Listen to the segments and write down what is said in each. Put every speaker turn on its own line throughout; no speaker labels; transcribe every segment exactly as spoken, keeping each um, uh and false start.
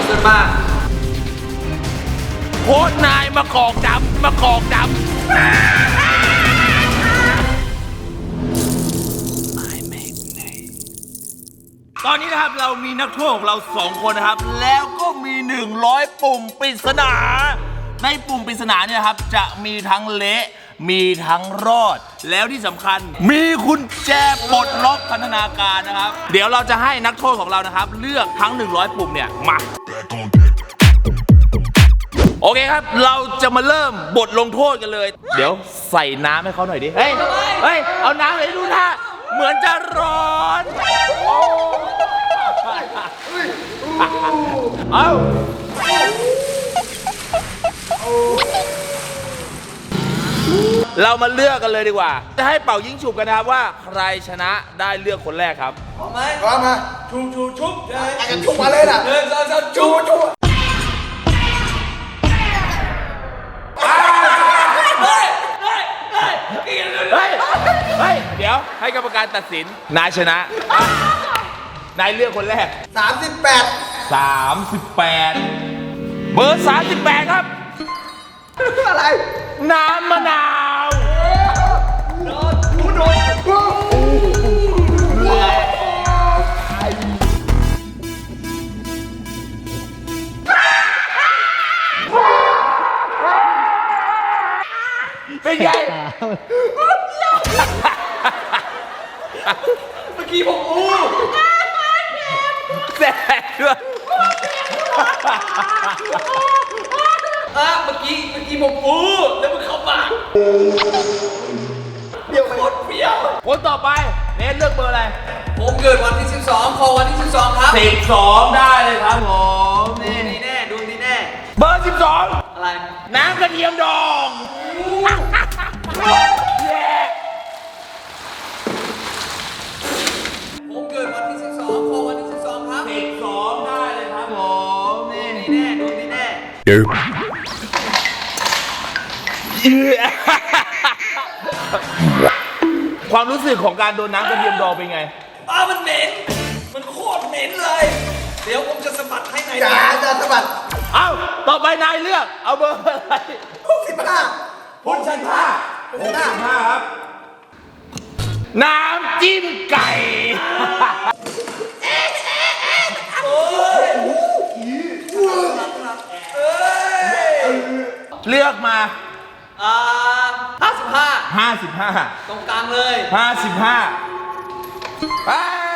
เกินมาก
โคตรนายมากอกดำมากอกดำตอนนี้นะครับเรามีนักโทษของเราสองคนนะครับแล้วก็มีหนึ่งร้อยปุ่มปริศนาในปุ่มปริศนาเนี่ยครับจะมีทั้งเละมีทั้งรอดแล้วที่สำคัญมีกุญแจปลดล็อกพันธนาการนะครับเดี๋ยวเราจะให้นักโทษของเรานะครับเลือกทั้งหนึ่งร้อยปุ่มเนี่ยมาโอเคครับเราจะมาเริ่มบทลงโทษกันเลยเดี๋ยวใส่น้ำให้เขาหน่อยดิเฮ้ยเฮ้ยเอาน้ำเลยดูท่าเหมือนจะร้อนเอาเรามาเลือกกันเลยดีกว่าจะให้เป่ายิงฉุบกันนะครับว่าใครชนะได้เลือกคนแรกครับ
พร้อมไหม
พร้อมมา
ชูชูชุบ
ไอ้กันชุบมาเลยน่ะ
เดินเดินเดินชูชูเฮ้ยเฮ้ยเฮ้ย
เฮ้ยเฮ้ยเดี๋ยวให้กรรมการตัดสินนายชนะนายเลือกคนแรก
สามสิบแปด
สามสิบแปดเบอร์สามสิบแปดครับ
อะไร
น้ำมะนาว
โดนกูโดน
เป็นไง
เมื่อกี้ผมอู้
แสบด้วย
อ่ะเมื่อกี้เมื่อกี้ผมอู้แล้วมันเข้าปาก
เปรี้ยวไหม
หมดเปรี้ยว
คนต่อไปเนทเลือกเบอร์อะไร
ผมเกิดวันที่สิบสองคอวันที่สิบสองครับ
สิบสองได้เลยครับผม
นี่นี่แน่ดูนี่แน่
เบอร์สิบสอง
อะไร
น้ำกระเทียมดอง
ผมเกิดวันที่สิบสองคอวันที่สิบสองครับ
สิบสองได้เลยครับผมนี่
นี่แน่ดูนี่แน่
ความรู้สึกของการโดนน้ำกระเทียมดองเป็นไง
อ้ามันเหม็นมันโคตรเหม็นเลยเดี๋ยวผมจะสะบัดให้นาย
จ๋าจะสะบัด
เอ้าต่อไปนายเลือกเอาเบอร์อะไร
หกสิบห้า
พุทธชาหกสิบห้าครับน้ำจิ้มไก่
โอ้ย
เลือกมา
อ่าห้าสิบห้า
ห้าสิบห้า
ตรงกลางเลย
ห้าสิบห้าไป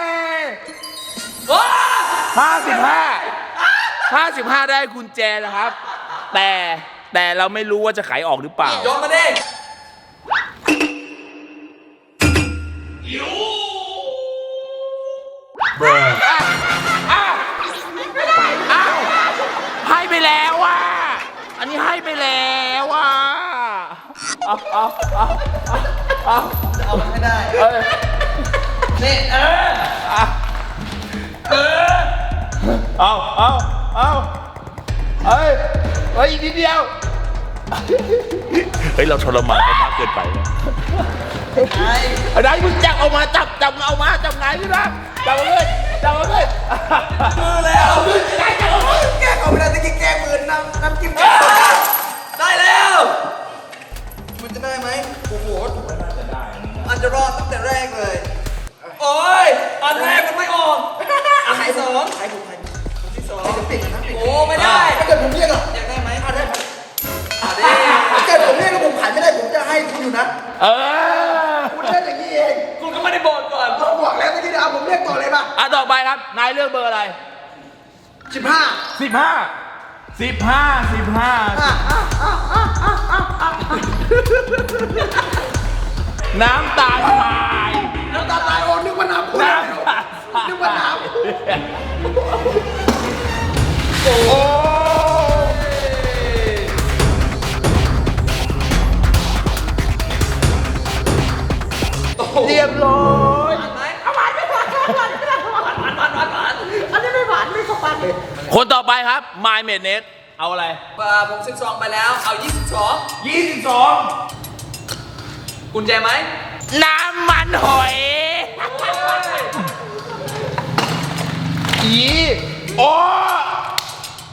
ห้าสิบห้าห้าสิบห้าได้กุญแจนะครับแต่แต่เราไม่รู้ว่าจะไขออกหรือเปล่า
โยนมาดิ
ให้ไปแล้วว่ะอันนี้ให้ไปแล้วว่ะเอาเอาเอาเอา
จะเอามันไม่ได้นี่เออเออ
เอาเอาเอาเฮ้ยเฮ้ยอีกนิดเดียวเฮ้ยเราทรมานกันมากเกินไปนะไอ้ไอ้มึงจับเอามาจับจับเอามาจับไงพี่นะจับมาเลยจับมาเลย
มือแล้ว
แกเอาแกเอาไปแล้วตะกี้แกมือน้ำน้ำจิ้ม
ได้แล้ว
มันจะได้ไหมโอ้โห
มันจะรอดตั้งแต่แรกเลยโอ้ยอันแรกมันไม่ออกอันที่สอง
ใครผมใครผมที่สองจะปิดนะปิด
โอ้ไม่ได้
ถ้าเกิดผมเรียกอ่ะ
อยากได้ไหม
อ่ะได้ไหมอ่ะได้ถ้าเกิดผมเรียกแล้วผมขายไม่ได้ผมจะให้คุณอยู่นะ
เออ
คุณเล่นอย่างนี้เอง
คุณก็ไม่ได้บอกก่อน
เราบอกแล้วเมื่อกี้เอาผมเรียกต่อเลยป่ะ
อ่ะต่อไปครับนายเลือกเบอร์อะไร
สิบห้า
สิบห้าสิบห้าสิบห้าน้ำตาลทราย
น้ำตาลทรายโอ้นึกว่าน้ำน้ำนึกว่าน้ำ
โอ้เรียบร้อย
เอาหวานไม่หวานหวานไม่ได้หวานหวานหวานหวานหวาน
อันนี้ไม่หวานไม่เข้าปากเลย
คนต่อไปครับ My m a d n e s เอาอะไร
ผมสิบสองไปแล้วเอายี่สิบสอง
ยี่สิบสอง
กุญแจไหม
น้ำมันหอยอีโอ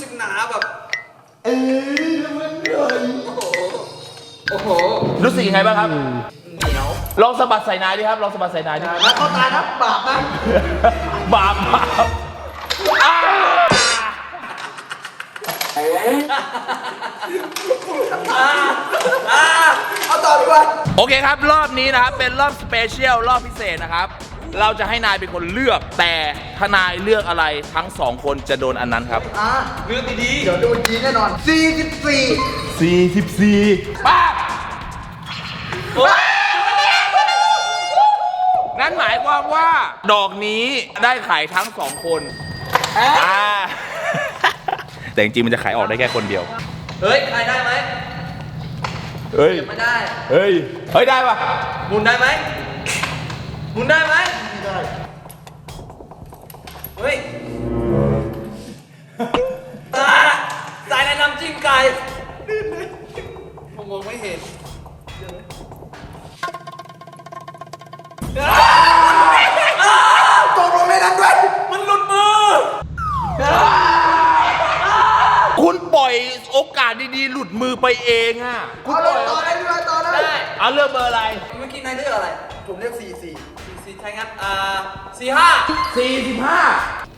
กหนาแบบ
เออมันเหนื่อย
โอ้โหโอ้โห
รู้สึกยังไงบ้างครับ
เหนียว
ลองสะบัดใส่นายดิครับ ลองสะบัดใส่นายดิ
นะเขาตายนะบาปนะ
บาปบาปอ้า
อ่า
เอาต่อดีกว่า
โอเคครับ รอบนี้นะครับ เป็นรอบสเปเชียล รอบพิเศษนะครับ เราจะให้นายเป็นคนเลือก แต่ถ้านายเลือกอะไรทั้งสองคนจะโดนอันนั้นครับ
อ่ะ
เรื่องดี
เดี๋ยวโดนยีแน่นอนสี่สิบสี่
สี่สิบสี่ป้าบ
ๆโอ้ย
นั่นหมายความว่า ดอกนี้ได้ขายทั้งสองคนอ่า แต่จริงๆมันจะขายออกได้แค่คนเดียว
เฮ้ยใครได้ไหม
เฮ้ย
ไม่ได้
เฮ้ย เฮ้ย ได้ปะ
หมุนได้ไหมหมุนได้ไหม
ไม่ได้
เฮ้ยอ่าสายในน้ำจิ้มไก่ผมมองไม่เห็นอ่าอ่า
ตกลงในนั้นด้วย
มันหลุดมือ
คุณปล่อยโอกาสดีๆ หลุดมือไปเองอ่ะ คุณ
เอา
ป
เล
ล่อย ย
ต่อได้ด้วยต่อได้
ได้
เอาเลือกเบอร์อะไร
เมื่อกี้นายเลือกอะไร
ผมเรียกสี่สี่
สี่สี่ใช่งั้นอ่าสี่ห้า
สี่สิบห้า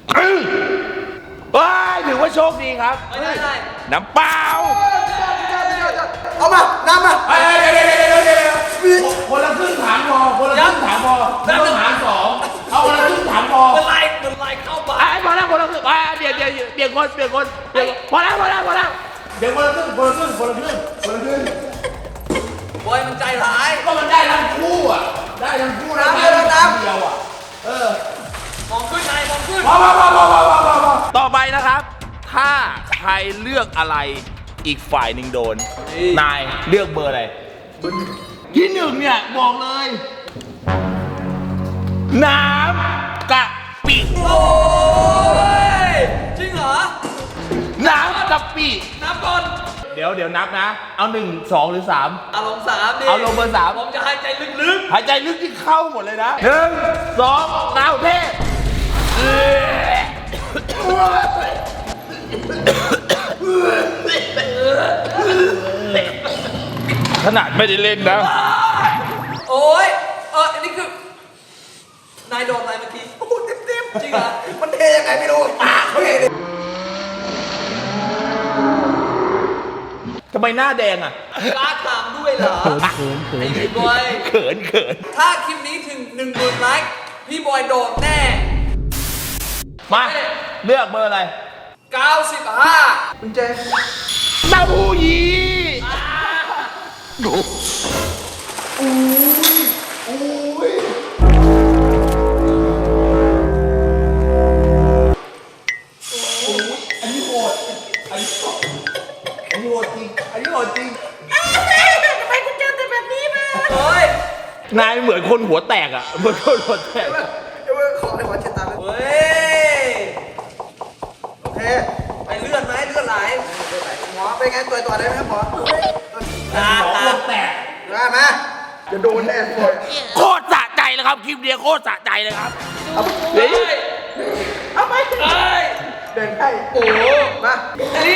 ว้ายถือว่าโชคดีครับ
ไม่ได้ได้
น้ำเปล่า
เอามาน้ำมา
เฮ้ยเดี๋ยวเดี๋ยวเดี๋ยวเดี๋ยวคนละครึ่งถามพอ คนละครึ่งถามพอไม่ต้องถามสองเอาคนละครึ่งถามพอ
เป็นไรเป็นไรเข้ามา
ไอ้พอแล้วคนละครึ่งอ่าเดี๋ยวเดี๋ยวเดี๋ยวคนเดี๋ยวคนเดี๋ยวพอแล้วพอแล้วพอแล้วเดี๋ยวคนละครึ่งคนละครึ่งคนละครึ่งคนละครึ่ง
บอยมันใจร้าย
ก็มันได้ทั้งคู่อ่ะ ได้ทั้งคู่นะได้ทั้งเดียวอ่ะ เออ
มองขึ้นนายมองขึ้น
พอพอพอพอพอพอพอพอต่อไปนะครับ ถ้าใครเลือกอะไรอีกฝ่ายหนึ่งโดน นายเลือกเบอร์อะไร ที่หนึ่งเนี่ยบอกเลย น้ำกะปิ
โอ้ยจริงเหรอ
น้ำกะปิ
นับก่อน
เดี๋ยวเดี๋ยวนับนะ เอาหนึ่งสองหรือสาม
เอาลงสามดิ
เอาลงเบอร์สาม
ผมจะหายใจลึก
หายใจลึกที่เข้าหมดเลยนะหนึ่งสองนาวเทพเอ้ยขนาดไม่ได้เล่นนะ
ๆ โอ้ยเอออันนี้คือ นายโดนอะไรเมื่อกี้
โอ้โหเต็มเต็ม
จริงเหรอ
มันเทยังไงไม่รู้ปากเขาเองเลย
ทำไมหน้าแดงอ่ะ
กล้าถามด้วยเหรอไอ้พี่บอย
เขินเขิน
ถ้าคลิปนี้ถึงหนึ่งหมื่นไลค์พี่บอยโดนแน่
มาเลือกเบอร์อะไร
เก้าสิบห้า
คุณแจ
เต้าหู้ยี้
อุ้ย
อันนี้โหดอันนี้โหดอันนี้โหดจริงอันนี้โหดจริง
เฮ้ย
นายเหมือนคนหัวแตกอ่ะเหมือนคนหัวแตก
เดี๋ยวขอในหัวเช็ดตาเลย
เฮ้ย
โอเค
ไปเลื่อนไหมเลื่อนไหล
หมอเป็นไงตัวตัวได้ไหมครับหมอ
ตา
หั
ตา
วแตก
ได้ไหมจะโดนแน่ปวด
โคตรสะใจเลยครับคลิปเดียวโคตรสะใจเลยครับ
เฮ้ย
เอาไป
เฮ้ย
เดินให้
โอ้โห
มา
นี่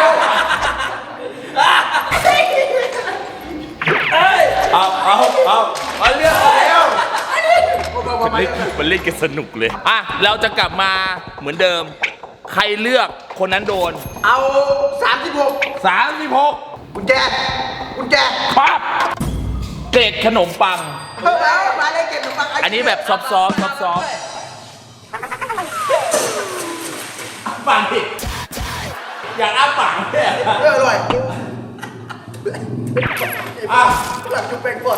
เฮ้ย
เอาเอาเอาเอาเรื่องแล้ว
มามา
มัน
มา
เล่นมันเล่นกันสนุกเลยอ่ะเราจะกลับมาเหมือนเดิม ใครเลือกคนนั้นโดน
เอาสามสิบหก
สามสิบหก
กุญแจกุญแจ
ปั๊บเกล็ดขนมปัง
เพิ่มแล้วมาเลยเก็บขนมปัง
อันนี้แบบซอฟต์ซอฟต์ซอฟต์ซอฟต์ปังดิอยากอ้าปากเนี่ย
เอออร่อยอ่ะหลังจุ๊บแป้งกด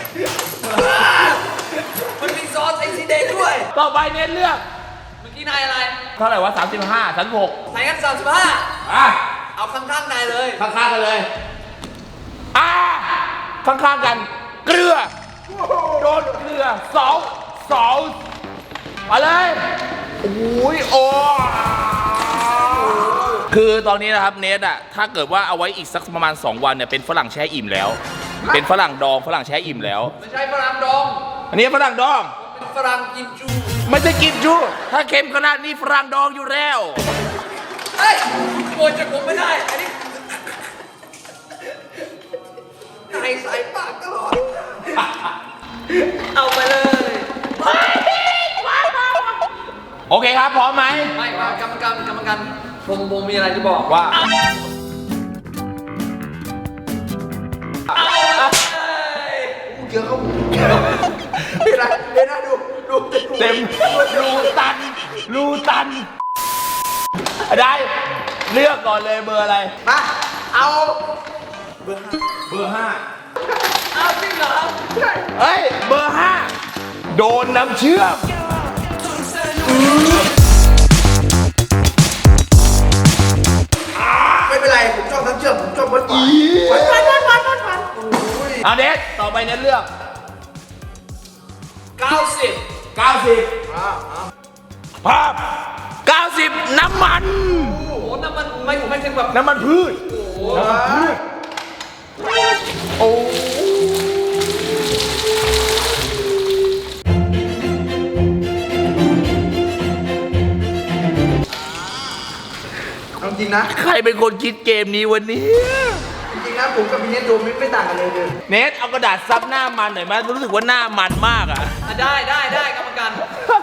มันมีซอสไอซีแดงด้วย
ต่อไปเน้นเลือก
เมื่อกี้นายอะไร
เท่าไหร่วะสามสิบห้าสามสิบหก
ใส่กันสามสิบห้า
อ่ะ
เอาข้างๆนายเลย
ข้างๆกันเลย อ่า ข้างๆกัน เกลือ โดนเกลือสองสองมาเลยโอ้ยโอ้คือตอนนี้นะครับเนทอะถ้าเกิดว่าเอาไว้อีกสักประมาณสองวันเนี่ยเป็นฝรั่งแช่อิ่มแล้ว เป็นฝรั่งดองฝรั่งแช่อิ่มแล้ว
ไม่ใช่ฝรั่งดอง
อันนี้ฝรั่งดอง
เป็นฝรั่งกินจู
ไม่ใช่กินจูถ้าเค็มขนาดนี้ฝรั่งดองอยู่แล้ว
เฮ้ยขโมยจากผมไม่ได้ อันนี้นายสายปากตลอด เอาไปเลย
โอเคครับ พร้อมไหม
ไม่ครับกรรมการกรรมการผมผมมีอะไรจะบอก
ว่า
เอาเลย
เยอะเขานี่อะไรเดี๋ยวนะดูดู
เต็มรูตันรูตัน ได้เลือกก่อนเลยเบอร์อะไร
มาเอา
เบอร์ห้า
เอาจริงเหรอ
เฮ้ย เบอร์ห้าโดนน้ำเชื่อม
ไม่เป็นไรผมชอบน้ำเชื่อมผมชอบเบิร์ดหวานหวานหวานหวานหวานหวานโอ้ย
เอาเน็ตต่อไปเน็ตเลือก
เก้าสิบ
เก้าสิบ
อ่าอ่า
ภาพเก้าสิบน้ำมัน
โอ้โหน้ำมันไม่ผมไม่ถึงแบบ
น้ำมันพืช
โอ้โห
ว้า
โอ้
เอาจริงนะ
ใครเป็นคนคิดเกมนี้วันนี้
จริงๆนะผมกับพี่เนทโดมไม่ไม่ต่างกันเลยเลย
เน็ตเอากระดาษซับหน้ามันหน่อยไหมรู้สึกว่าหน้ามันมากอ่ะ
อ่ะได้ได้ได้กรรมการ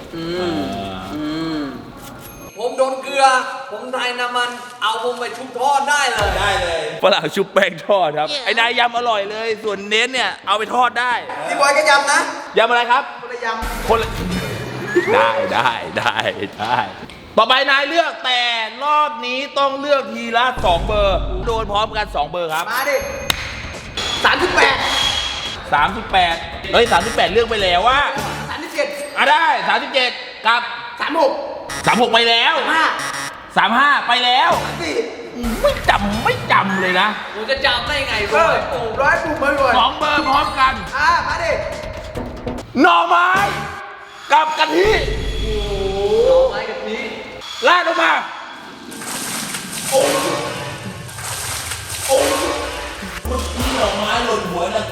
ผมโดนเกลือ ผมทายน้ำมัน เอาผมไปชุบทอดได้เลย
ได้เลยฝรั่งชุบแป้งทอดครับ ไอ้นายยำอร่อยเลย ส่วนเน็ตเนี่ยเอาไปทอดได้
พี่บอยก็ยำนะ
ยำอะไรครับ
คนละย
คนละได้ได้ได้ได้ต่อไปนายเลือกแต่รอบนี้ต้องเลือกทีละสองเบอร์ โดนพร้อมกันสองเบอร์ครับ
ำมาดิสามสิบแปด
สามสิบแปดเฮ้ยสามสิบแปดเลือกไปแล้วว่า
สามสิบเจ็ด
อ่ะได้สามสิบเจ็ดกับ
สามหก
สามหกไปแล้ว
ห้า
สามห้าไปแล้ว
สี่
ไม่จำไม่จำเลยนะ
ผมจะจำได้ไง
เออร้อยปุ่มบ่อย
สองเบอร์พร้อมกัน
ๆอ่ามาดิ
หน่อไม้กับกะทิ
หน่อไม้กับนี้
ลาดลงมาโอ้โอ้เมื่อกี้หน่อไม้หล่นหัวนะ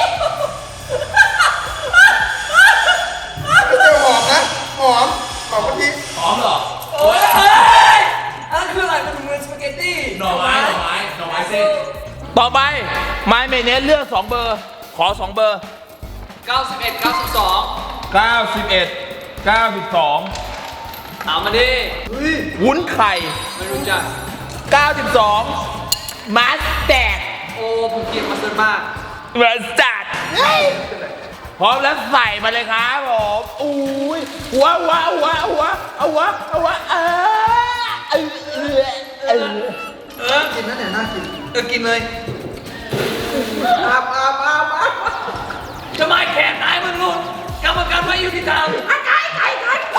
ไม่ใช่หอมนะหอมหอมกะทิ
หอมเหรอ
โอ้ยอันนั้นคืออะไรมันเหมือนสปาเกตตี้
หน่อไม้หน่อไม้หน่อไม้เส้นต่อไปไมเมเนสเลือกสองเบอร์ ขอสองเบอร์
เก้าสิบเอ็ด เก้าสิบสอง
เก้าสิบเอ็ด เก้าสิบสอง
ถามมาดิ
เฮ้ย
วุ้นไข่
ไม่รู้จัก
เก้าสิบสองมัสแตด
โอ้ผมเกลียดมาสเตอร์มาก
มัสแตดพร้อมแล้วใส่มาเลยครับผมอุ้ยหัวหัวหัวหัวเอาหัวเอาหัวเออเออเออเออ
เออ
กินนะเนี่ยน่ากิน
เออกินเลย
อาบอาบอาบอาบ
ทำไมแขนนายมันหลุดกรรมการไม่ยุติธรรมไก่ไก่ไก่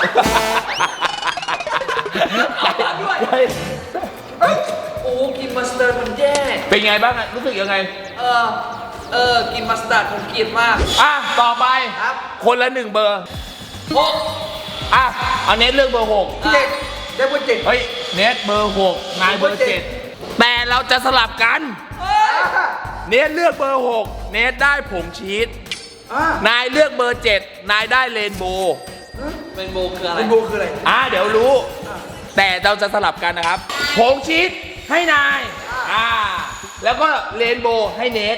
เอาด้วย โอ้กินมัสตาร์ดมันแย่
เป็นไงบ้างอะรู้สึกยังไง
เออ เออ กินมัสตาร์ดผมเกลียดมาก
อ่ะ ต่อไป
ครับ
คนละหนึ่งเบอร์
โอ้
อ่ะ เอาเน็ตเลือกเบอร์หก
เจ็ดได้เบอร์เจ็ด
เฮ้ย เน็ตเบอร์หกนายเบอร์เจ็ดแต่เราจะสลับกัน
เฮ้ย
อ่า
เน็ตเลือกเบอร์หกเน็ตได้ผงชีส
อ่าน
ายเลือกเบอร์เจ็ดนายได้เรนโบว์
เป็นโบคืออะไร
เป็นโบคืออะไร
อ่ะ เดี๋ยวรู้ แต่เราจะสลับกันนะครับ ผงชีสให้นาย อ่า แล้วก็เรนโบว์ให้เน็ต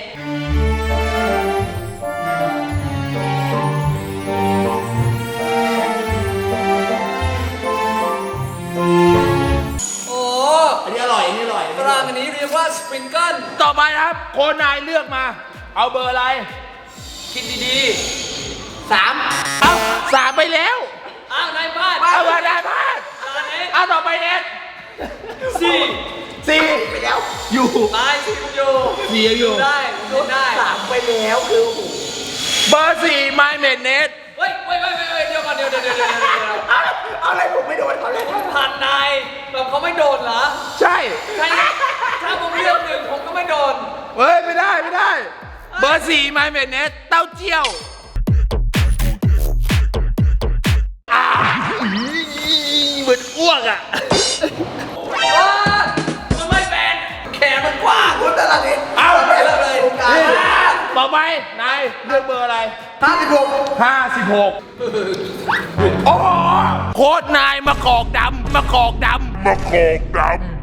โอ้
อันนี้อร่อย อันนี้อร่อย
ตารางอันนี้เรียกว่าสปริงเกิล
ต่อไปนะครับ โคนนายเลือกมา เอาเบอร์อะไร
คิดดีๆสาม
เอาสามไปแล้ว
อ้าวนายพลาด
เอาเบอร์นายพลาด
ตอนนี้
เอาต่อไปเน็ต
สี่
สี่ไปแล้ว อยู่
นายสี่ผมอยู่
สี่ยังอยู่
ได้ผมโดนได้
สามไปแล้วคือโอ้โห
เบอร์สี่ไมเมดเน็ต
เฮ้ยเฮ้ยเฮ้ยเฮ้ยเดี๋ยวก่อนเดี๋ยวเดี๋ยวเดี๋ยวเดี๋ยวเดี๋ยว
เอาเอาอะไรผมไม่โดนเขาเลย
ผ่านนายแบบเขาไม่โดนเหรอ
ใช่
ใช่ถ้าผมเลือกหนึ่งผมก็ไม่โดน
เฮ้ย ไม่ได้ ไม่ได้ เบอร์สี่ไมเมดเน็ตเต้าเจี้ยวอ่าเหมือนอ้วกอ่ะ
โอ้ยมันไม่เป็นแขนมันกว้าง
คุณตลาดนี้
เอา
ไปเลยเลยตรงกลาง
นี่ต่อไป นายเลือกเบอร์อะไร
ห้าสิบหก
ห้าสิบหกโอ้โหโคตรนายมะกอกดำมะกอกดำมะกอกดำ